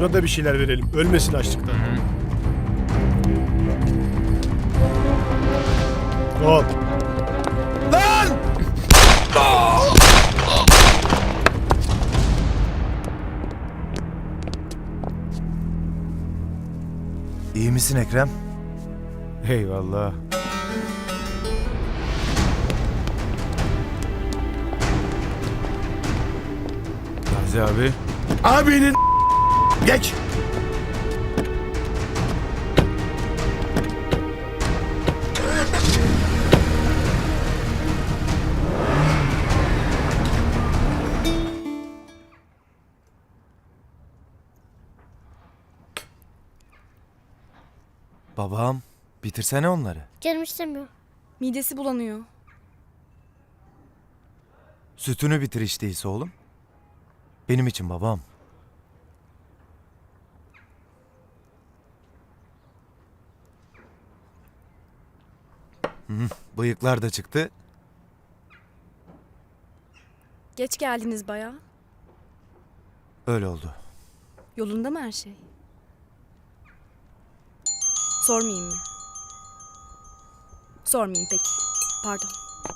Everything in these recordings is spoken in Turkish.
Şuna da bir şeyler verelim. Ölmesin açlıktan. Hop. Lan! İyi misin Ekrem? Eyvallah. Gazi abi. Abinin geç. Babam, bitirsene onları. Canım istemiyor. Midesi bulanıyor. Sütünü bitir hiç değilse oğlum. Benim için babam. Bıyıklar da çıktı. Geç geldiniz bayağı. Öyle oldu. Yolunda mı her şey? Sormayayım mı? Sormayayım peki. Pardon.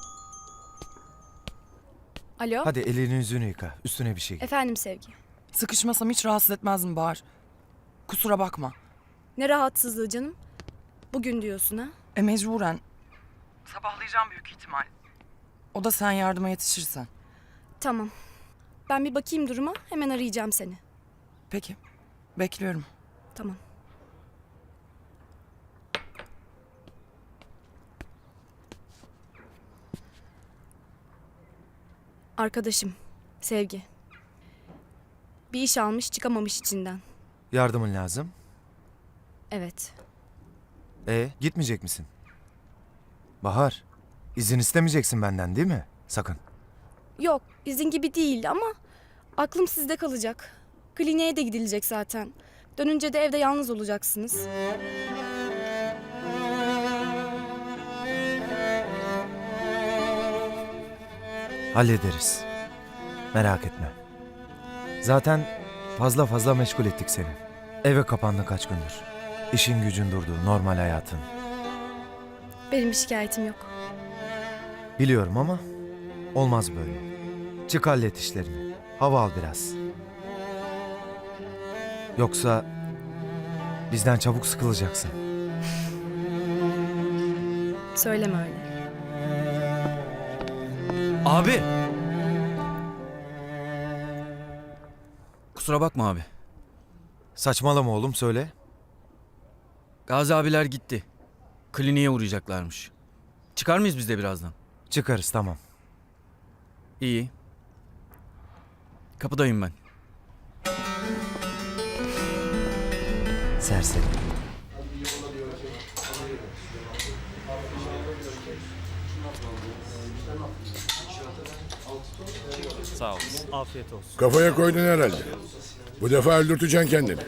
Alo? Hadi elini yüzünü yıka. Üstüne bir şey giy. Efendim Sevgi. Sıkışmasam hiç rahatsız etmezdim Bahar. Kusura bakma. Ne rahatsızlığı canım? Bugün diyorsun ha? Mecburen. Sabahlayacağım büyük ihtimal. O da sen yardıma yetişirsen. Tamam. Ben bir bakayım duruma. Hemen arayacağım seni. Peki. Bekliyorum. Tamam. Arkadaşım. Sevgi. Bir iş almış çıkamamış içinden. Yardımın lazım. Evet. Gitmeyecek misin? Bahar, izin istemeyeceksin benden değil mi? Sakın. Yok izin gibi değil ama aklım sizde kalacak. Kliniğe de gidilecek zaten. Dönünce de evde yalnız olacaksınız. Hallederiz. Merak etme. Zaten fazla meşgul ettik seni. Eve kapandın kaç gündür. İşin gücün durdu, normal hayatın. Benim bir şikayetim yok. Biliyorum ama olmaz böyle. Çık hallet işlerini. Hava al biraz. Yoksa bizden çabuk sıkılacaksın. Söyleme öyle. Abi. Kusura bakma abi. Saçmalama oğlum söyle. Gazi abiler gitti. Kliniğe uğrayacaklarmış. Çıkar mıyız biz de birazdan? Çıkarız tamam. İyi. Kapıdayım ben. Serseri. Kafaya koydun herhalde. Bu defa öldürteceksin kendini.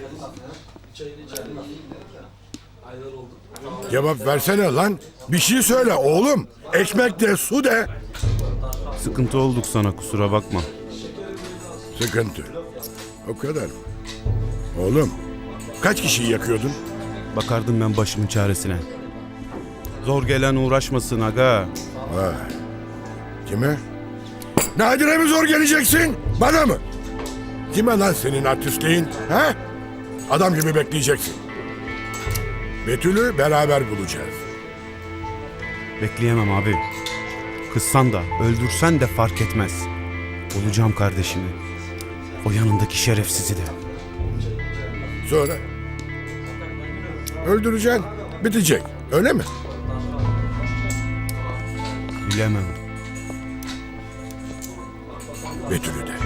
Cevap versene lan. Bir şey söyle oğlum. Ekmek de su de. Sıkıntı olduk sana, kusura bakma. Sıkıntı. O kadar mı? Oğlum kaç kişiyi yakıyordun? Bakardım ben başımın çaresine. Zor gelen uğraşmasın aga. Vay. Kime? Nadire mi zor geleceksin? Bana mı? Kime lan senin artistliğin? He? Adam gibi bekleyeceksin. Betül'ü beraber bulacağız. Bekleyemem abi. Kızsan da öldürsen de fark etmez. Bulacağım kardeşimi. O yanındaki şerefsizi de. Sonra? Öldüreceksin. Bitecek. Öyle mi? Bilemem. Betül'ü de.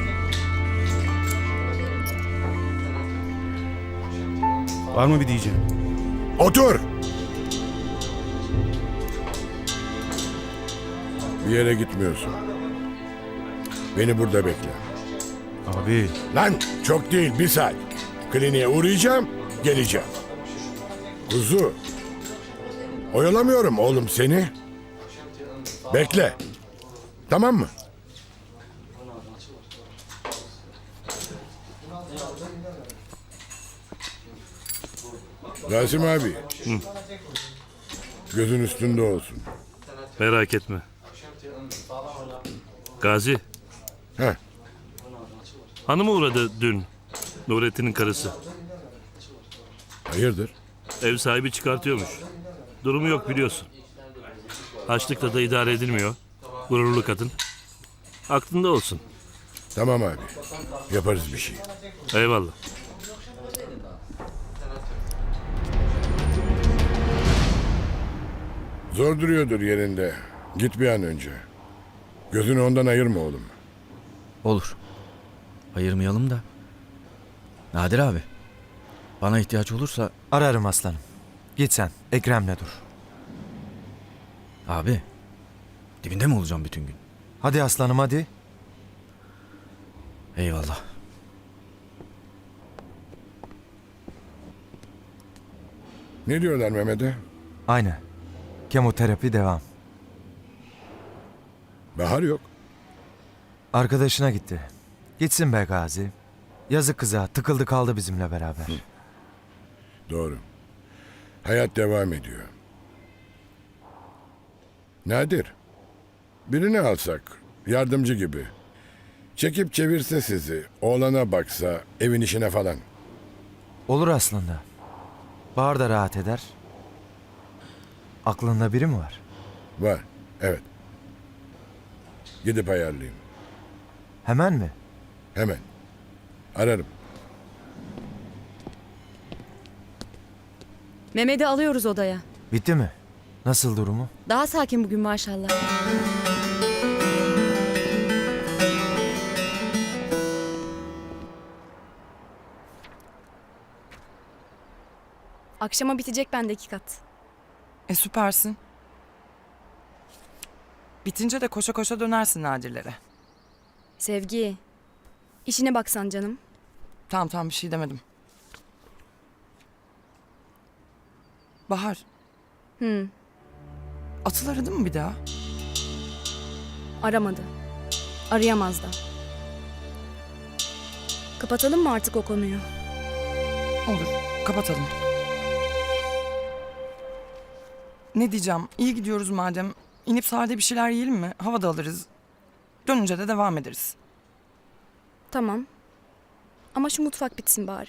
Var mı bir diyeceğim? Otur. Bir yere gitmiyorsun. Beni burada bekle. Abi Lan çok değil 1 saat. Kliniğe uğrayacağım, geleceğim. Kuzu. Oyalamıyorum oğlum seni. Bekle. Tamam mı? Rasim abi. Gözün üstünde olsun. Merak etme. Gazi, Heh, hanım uğradı dün. Nurettin'in karısı. hayırdır? Ev sahibi çıkartıyormuş. Durumu yok biliyorsun. Açlıkla da idare edilmiyor. Gururlu kadın. Aklında olsun. Tamam abi. Yaparız bir şey. Eyvallah. Zor duruyordur yerinde. Git bir an önce. Gözünü ondan ayırma oğlum. Olur. Ayırmayalım da. Nadir abi. Bana ihtiyaç olursa Ararım aslanım. Git sen. Ekrem'le dur. abi. Dibinde mi olacağım bütün gün? Hadi aslanım hadi. Eyvallah. Ne diyorlar Mehmet'e? Aynı. Kemoterapi devam. Bahar yok. Arkadaşına gitti. Gitsin be Gazi. Yazık kıza tıkıldı kaldı bizimle beraber. Doğru. Hayat devam ediyor. Nadir. Birini alsak. Yardımcı gibi. Çekip çevirse sizi. Oğlana baksa. Evin işine falan. Olur aslında. Bahar da rahat eder. Aklında biri mi var? Var. Evet. Gidip ayarlayayım. Hemen mi? Hemen. Ararım. Mehmet'i alıyoruz odaya. Bitti mi? Nasıl durumu? Daha sakin bugün maşallah. Akşama bitecek bendeki kat. Süpersin. Bitince de koşa koşa dönersin Nadirlere. Sevgi. İşine baksan canım. Tamam bir şey demedim. Bahar, Hı, Atıl aradı mı bir daha? aramadı. Arayamaz da. Kapatalım mı artık o konuyu? Olur, kapatalım. Ne diyeceğim, iyi gidiyoruz madem. İnip sahilde bir şeyler yiyelim mi? Hava da alırız. Dönünce de devam ederiz. Tamam. Ama şu mutfak bitsin bari.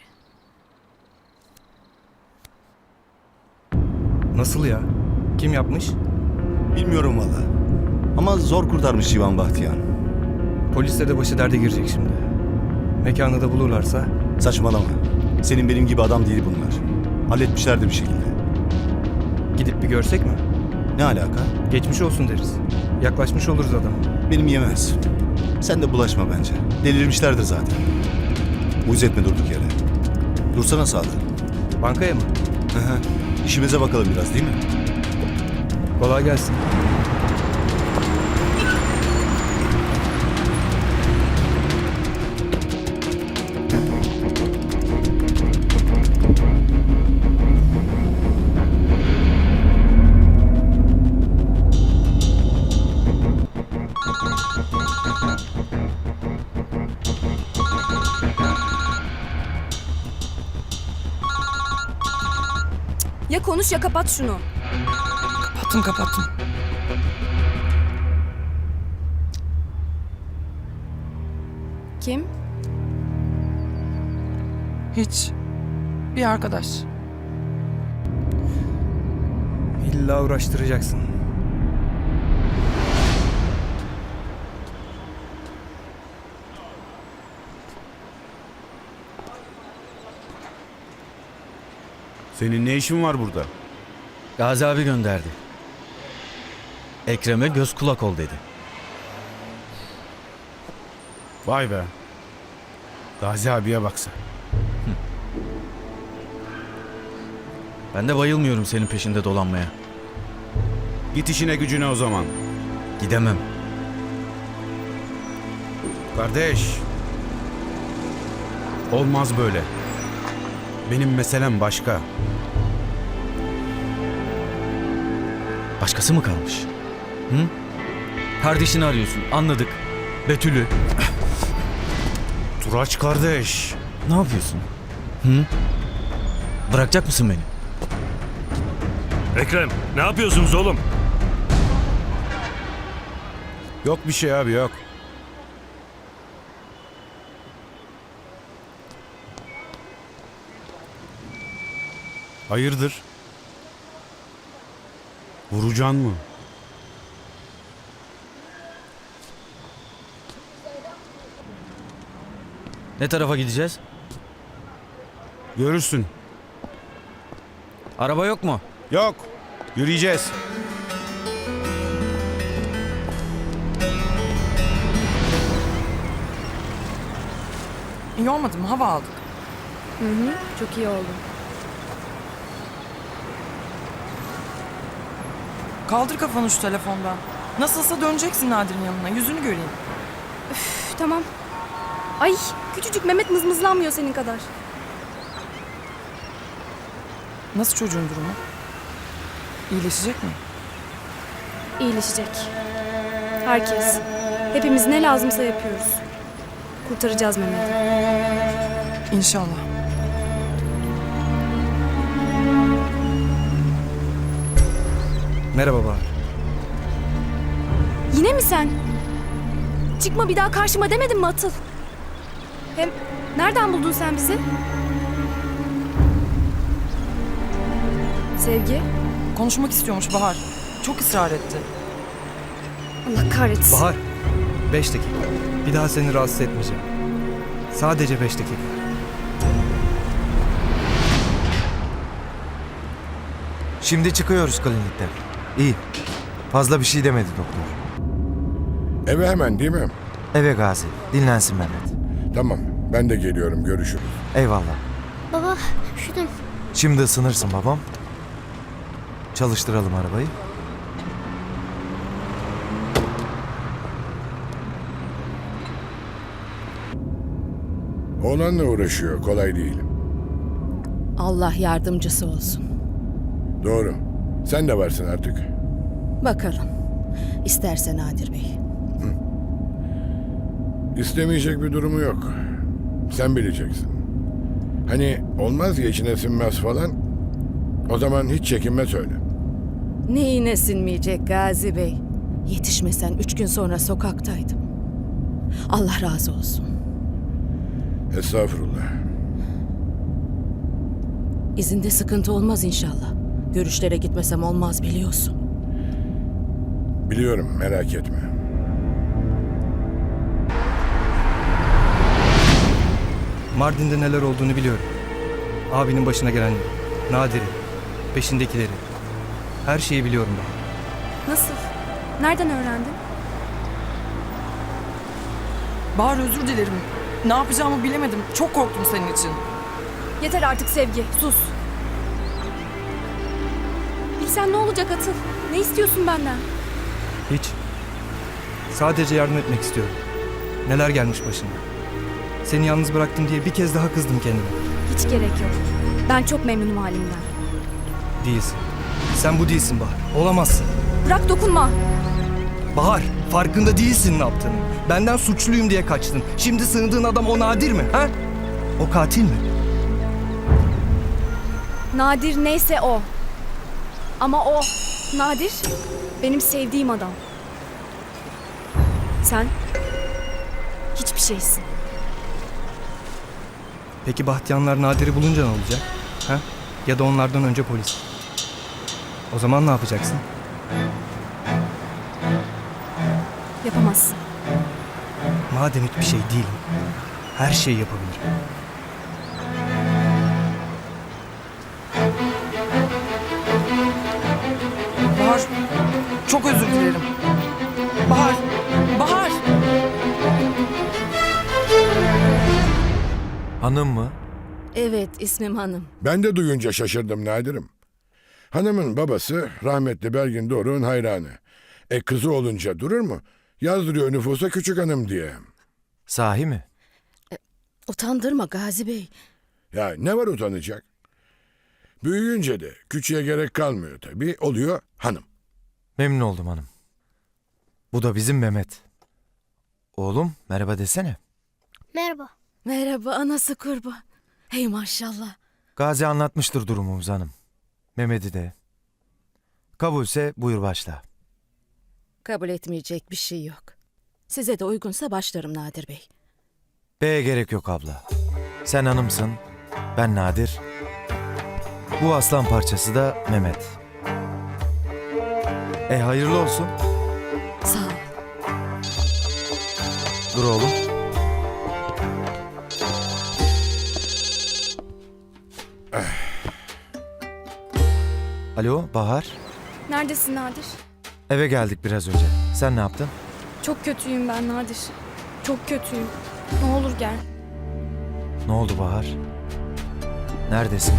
Nasıl ya? Kim yapmış? Bilmiyorum valla. Ama zor kurtarmış Ivan Bahtiyar. Polisle de başı derde girecek şimdi. Mekanı da bulurlarsa. Saçmalama. Senin benim gibi adam değil bunlar. Halletmişlerdir bir şekilde. Gidip bir görsek mi? Ne alaka? Geçmiş olsun deriz. Yaklaşmış oluruz adama. Benim yemez. Sen de bulaşma bence. Delirmişlerdir zaten. Uyuz etme durduk yere. Dursana sağda. Bankaya mı? Hı hı. İşimize bakalım biraz değil mi? Kolay gelsin. Ya konuş ya kapat şunu. Kapattım. Kim? Hiç. Bir arkadaş. İlla uğraştıracaksın. Senin ne işin var burada? Gazi abi gönderdi. Ekrem'e göz kulak ol dedi. Vay be. Gazi abiye baksa. Ben de bayılmıyorum senin peşinde dolanmaya. Git işine gücüne o zaman. Gidemem. Kardeş. Olmaz böyle. Benim meselem başka. Başkası mı kalmış? Hı? Kardeşini arıyorsun, anladık. Betül'ü. Turaç kardeş. Ne yapıyorsun? Hı? Bırakacak mısın beni? Ekrem, ne yapıyorsunuz oğlum? Yok bir şey abi, yok. Hayırdır? Vuracaksın mı? Ne tarafa gideceğiz? Görürsün. Araba yok mu? Yok. Yürüyeceğiz. İyi olmadı mı? Hava aldık. Hı hı, çok iyi oldu. Kaldır kafanı şu telefondan. Nasılsa döneceksin Nadir'in yanına. Yüzünü göreyim. Üf, tamam. Ay küçücük Mehmet mızmızlanmıyor senin kadar. Nasıl çocuğun durumu? İyileşecek mi? İyileşecek. Herkes. Hepimiz ne lazımsa yapıyoruz. Kurtaracağız Mehmet'i. İnşallah. Merhaba Bahar. Yine mi sen? Çıkma bir daha karşıma demedim mi Atıl? Hem nereden buldun sen bizi? Sevgi? Konuşmak istiyormuş Bahar. Çok ısrar etti. Allah kahretsin. Bahar, 5 dakika. Bir daha seni rahatsız etmeyeceğim. Sadece 5 dakika. Şimdi çıkıyoruz klinikten. İyi. Fazla bir şey demedi doktor. Eve hemen değil mi? Eve Gazi. Dinlensin Mehmet. Tamam, ben de geliyorum, görüşürüz. Eyvallah. Baba üşüdüm. Şimdi ısınırsın babam. Çalıştıralım arabayı. Oğlanla uğraşıyor, kolay değil. Allah yardımcısı olsun. Doğru. Sen de varsın artık. Bakalım. İsterse Nadir Bey. İstemeyecek bir durumu yok. Sen bileceksin. Hani olmaz ya içine sinmez falan. O zaman hiç çekinme söyle. Neyine sinmeyecek Gazi Bey? Yetişmesen 3 gün sonra sokaktaydım. Allah razı olsun. Estağfurullah. İzinde sıkıntı olmaz inşallah. Görüşlere gitmesem olmaz biliyorsun. Biliyorum, merak etme. Mardin'de neler olduğunu biliyorum. Abinin başına gelenleri, Nadir'i, peşindekileri. Her şeyi biliyorum ben. Nasıl? Nereden öğrendin? Bahar özür dilerim. Ne yapacağımı bilemedim. Çok korktum senin için. Yeter artık Sevgi, sus. Bilsen ne olacak Atıl? Ne istiyorsun benden? Hiç. Sadece yardım etmek istiyorum. Neler gelmiş başına. Seni yalnız bıraktım diye bir kez daha kızdım kendime. Hiç gerek yok. Ben çok memnunum halimden. Değilsin. Sen bu değilsin Bahar. Olamazsın. Bırak dokunma. Bahar, farkında değilsin ne yaptığını. Benden suçluyum diye kaçtın. Şimdi sığındığın adam o Nadir mi? Ha? O katil mi? Nadir neyse o. Ama o, Nadir, benim sevdiğim adam. Sen hiçbir şeysin. Peki Bahtiyarlar Nadir'i bulunca ne olacak? Ha? Ya da onlardan önce polis. O zaman ne yapacaksın? Yapamazsın. Madem hiçbir şey değilim, her şeyi yapabilirim. Bahar, çok özür dilerim. Bahar, Bahar. Hanım mı? Evet ismim Hanım. Ben de duyunca şaşırdım Nadir'im. Hanımın babası rahmetli Belgin Doruk'un hayranı. Kızı olunca durur mu? Yazdırıyor nüfusa küçük hanım diye. Sahi mi? Utandırma Gazi Bey. Ya ne var utanacak? Büyüyünce de küçüğe gerek kalmıyor tabii. Oluyor hanım. Memnun oldum hanım. Bu da bizim Mehmet. Oğlum merhaba desene. Merhaba. Merhaba anası kurban. Hey maşallah. Gazi anlatmıştır durumumuzu hanım. Mehmet'i de. Kabulse buyur başla. Kabul etmeyecek bir şey yok. Size de uygunsa başlarım Nadir Bey. B'ye gerek yok abla. Sen hanımsın, ben Nadir. Bu aslan parçası da Mehmet. Hayırlı olsun. Sağ ol. Dur oğlum. Alo Bahar. Neredesin Nadir? Eve geldik biraz önce. Sen ne yaptın? Çok kötüyüm ben Nadir. Çok kötüyüm. Ne olur gel. Ne oldu Bahar? Neredesin?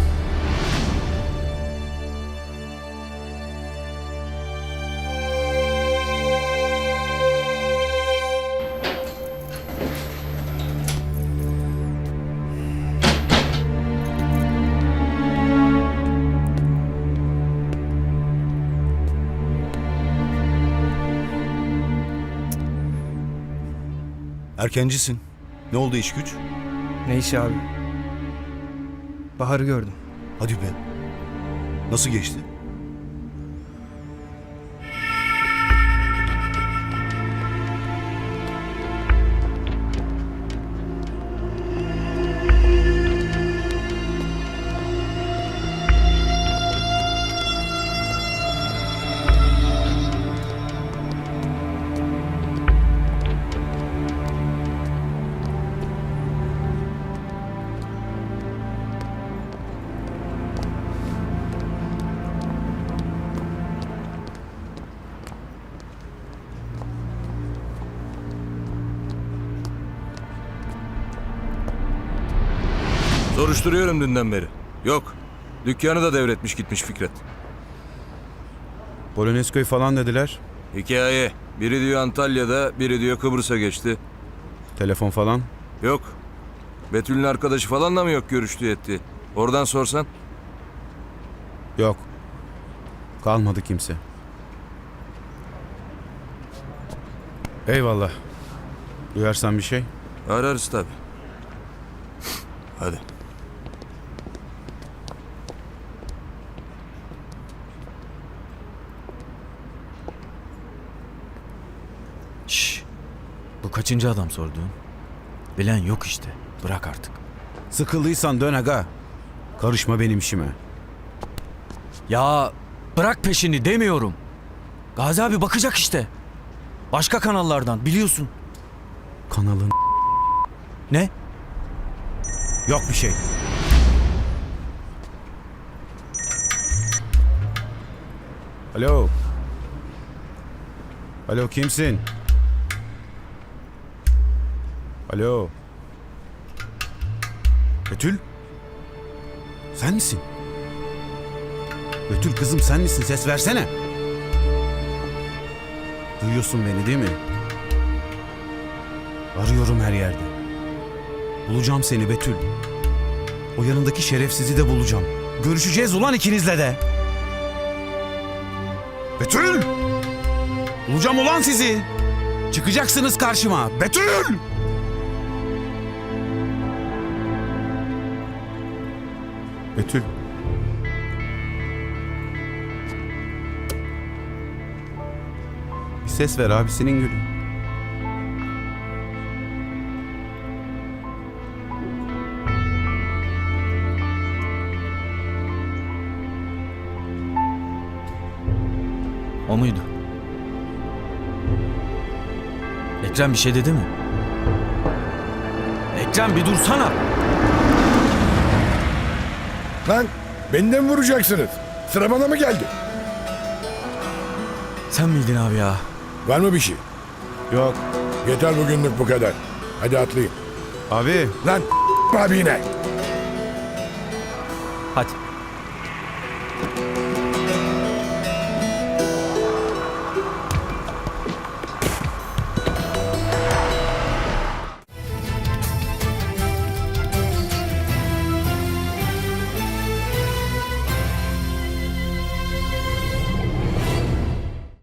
Erkencisin. Ne oldu iş güç? Ne işi abi? Bahar'ı gördüm. Hadi be. Nasıl geçti? Soruşturuyorum dünden beri. Yok. Dükkanı da devretmiş gitmiş Fikret. Polonezköy falan dediler. Hikaye. Biri diyor Antalya'da, biri diyor Kıbrıs'a geçti. Telefon falan. Yok. Betül'ün arkadaşı falan da mı yok görüştü etti? Oradan sorsan. Yok. Kalmadı kimse. Eyvallah. Duyarsan bir şey. Ararız tabii. Hadi. Şşş. Bu kaçıncı adam sorduğun? Bilen yok işte. Bırak artık. Sıkıldıysan dön aga. Karışma benim işime. Ya bırak peşini demiyorum. Gazi abi bakacak işte. Başka kanallardan biliyorsun. Kanalın Ne? yok bir şey. Alo. Alo kimsin? Alo. Betül? Sen misin? Betül kızım sen misin? Ses versene. Duyuyorsun beni değil mi? Arıyorum her yerde. Bulacağım seni Betül. O yanındaki şerefsizi de bulacağım. Görüşeceğiz ulan ikinizle de. Betül! Bulacağım ulan sizi. Çıkacaksınız karşıma. Betül! Betül. Bir ses ver abisinin gülü. O muydu? Ekrem bir şey dedi mi? Ekrem bir dursana. Lan beni de mi vuracaksınız? Sıra bana mı geldi? Sen miydin abi ya? Var mı bir şey? Yok. Yeter bugünlük bu kadar. Hadi atlayın. Abi. Lan abi yine. Hadi.